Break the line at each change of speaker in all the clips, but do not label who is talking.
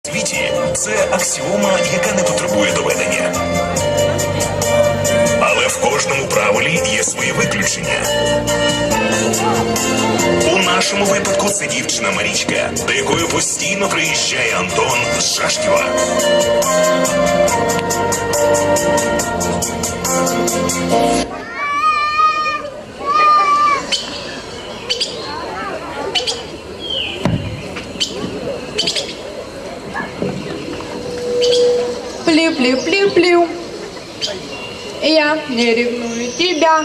світі це аксіома, яка не потребує доведення. Але в кожному правилі є свої виключення. У нашому випадку це дівчина Марічка, до якої постійно приїжджає Антон з Шашківа.
Плю-плю-плю-плю. Я не ревную тебя.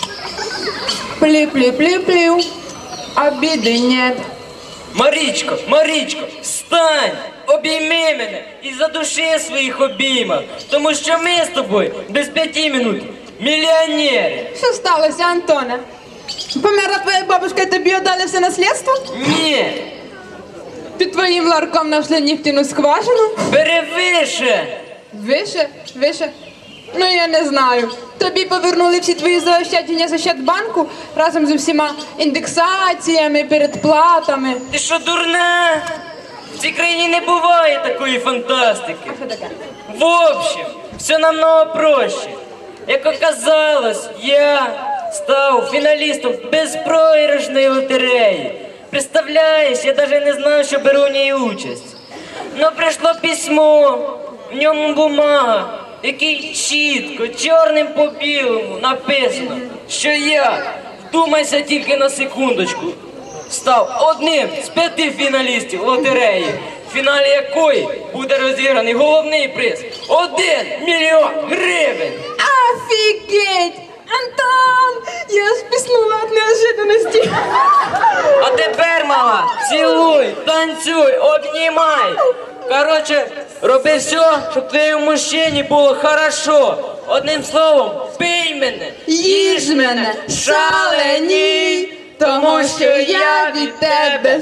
Плю-плю-плю-плю. Обиды нет.
Марічко, Марічко, встань! Обійми мене і задуши в своїх обіймах, тому що ми з тобою без 5 минут мільйонери.
Що сталося, Антоне? Померла твоя бабушка і тобі отдали все наслідство?
Ні,
Під твоїм ларком нашли нефтяну скважину?
бери вище.
Вище? Вище? Ну, я не знаю. Тобі повернули всі твої заощадження з Ощадбанку разом з усіма індексаціями, передплатами.
Ти що, дурна? В цій країні не буває такої фантастики.
Що таке?
В общем, все намного проще. Як оказалось, я став фіналістом безпроіграшної лотереї. Представляєш, я навіть не знав, що беру в ній участь. Но прийшло письмо, в ньому бумага, в якій чітко, чорним по білому написано, що я, вдумайся тільки на секундочку, став одним з 5 фіналістів лотереї, в фіналі якої буде розіграний головний приз – 1 мільйон гривень.
Офігеть! Антон! Я аж піснула від неожиданності.
А тепер, мала, цілуй, танцюй, обнімай. Короче, роби все, щоб твоєму мужчині було хорошо. Одним словом, пий мене,
Їж мене, шаленій, тому що я від тебе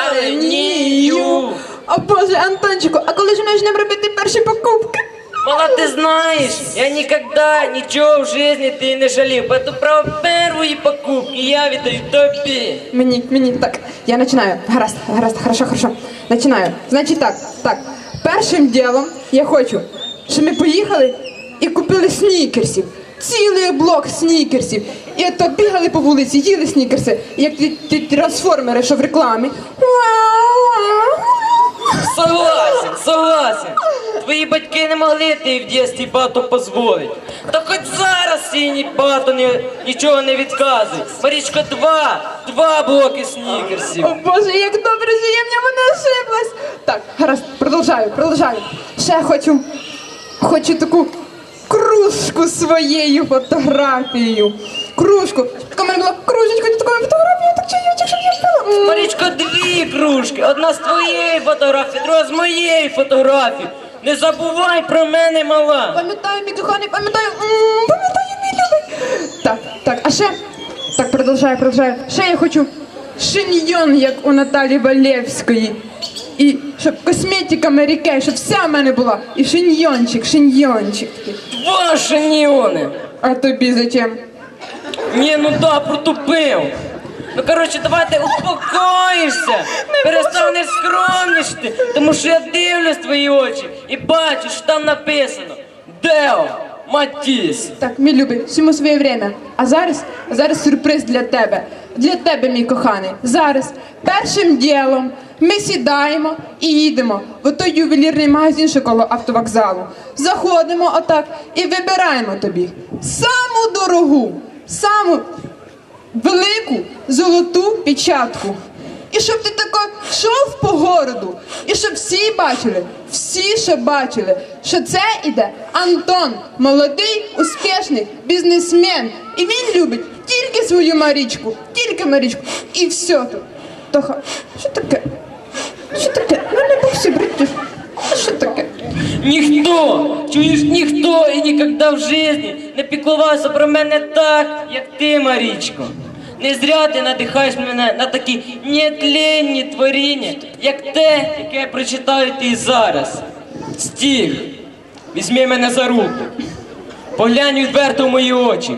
шаленію. О Боже, Антончику, а коли ж ми почнемо робити перші покупки?
Мала, ты знаешь, я никогда ничего в жизни ты не жалел, поэтому право первые покупки я віддаю тобі.
Мені, так, я починаю. Гаразд, хорошо. Починаю. Значить так. Першим ділом я хочу, щоб ми поїхали і купили снікерсів. Цілий блок снікерсів. І то бігали по вулиці, їли снікерси, як ті трансформери, що в рекламі.
Согласен. Твої батьки не могли ти в дитинстві багато дозволити. Та хоч зараз синій багато нічого не відказує. Марічко, два блоки снікерсів.
О Боже, як добре, що я в ньому не ошиблась. Так, гаразд, продовжаю. Ще хочу таку кружку своєю фотографією. Кружку. Така в мене була кружечка, така фотографія, так чайочок, щоб я пила.
Марічко, 2 кружки. Одна з твоєї фотографії, друга з моєї фотографії. Не забувай про мене, мала.
Пам'ятаю, мій коханий, пам'ятаю, мій любий. Так, а ще, так, продовжаю. Ще я хочу шиньйон, як у Наталі Валєвської. І щоб косметика Mary Kay, щоб вся в мене була. І шиньйончик.
2 шиньйони.
А тобі зачем?
Ні, ну да, протупив. Ну, коротше, давай ти успокоїшся, перестанеш скромнішити, тому що я дивлюсь в твої очі і бачу, що там написано Део Матіс.
Так, мій любий, всьому своє время. А зараз сюрприз для тебе. Для тебе, мій коханий. Зараз, першим ділом, ми сідаємо і їдемо в той ювелірний магазин, що коло автовокзалу. Заходимо отак і вибираємо тобі саму дорогу, саму велику золоту печатку. І щоб ти тако йшов по городу, і щоб всі бачили, що це іде Антон, молодий, успішний бізнесмен. І він любить тільки свою Марічку, і все тут. Тоха, що таке? Ну не боксі, бритиш. Що таке?
Ніхто і ніколи в житті не піклувався про мене так, як ти, Марічко. Не зря ти надихаєш мене на такі нетленні творіння, як те, яке я прочитаю ти зараз. Стіг, візьми мене за руку, поглянь відверто в мої очі.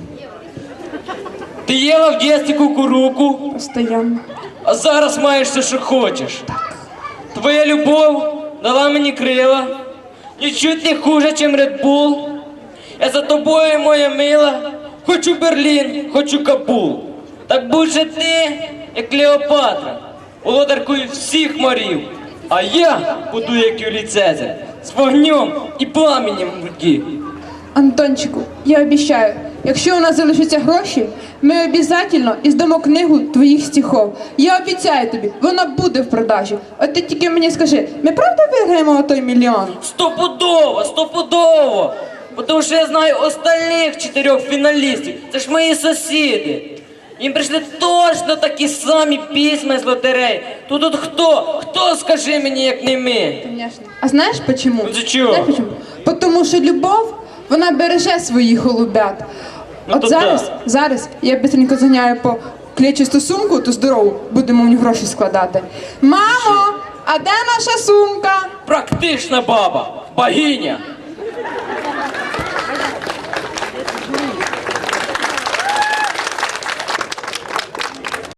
Ти їла в дитинстві кукуруку,
Постоянно.
а зараз маєш все, що хочеш. Твоя любов дала мені крила. Нічуть не хуже, чим Red Bull. Я за тобою, моя мила, хочу Берлін, хочу Кабул. Так будь же ти, як Клеопатра, володаркою всіх морів. А я буду, як Юлій Цезар, з вогнем і пламенем в руці.
Антончику, я обіцяю, якщо у нас залишаться гроші, ми обов'язково іздамо книгу твоїх стихов. Я обіцяю тобі, вона буде в продажі. От ти тільки мені скажи, ми правда виграємо той мільйон?
Стопудово, стопудово! Тому що я знаю остальних 4 фіналістів. Це ж мої сусіди. Їм прийшли точно такі самі письма з лотереї. Тут хто? Хто, скажи мені, як не ми?
Конечно. А знаєш почему?
За чого?
Знаєш почему? Потому що любов, вона береже своїх голубят.
Ну,
От
то
зараз я бистренько заганяю по клетчасту сумку, то здорову, будемо в ній гроші складати. Мамо, а де наша сумка?
Практична баба, богиня.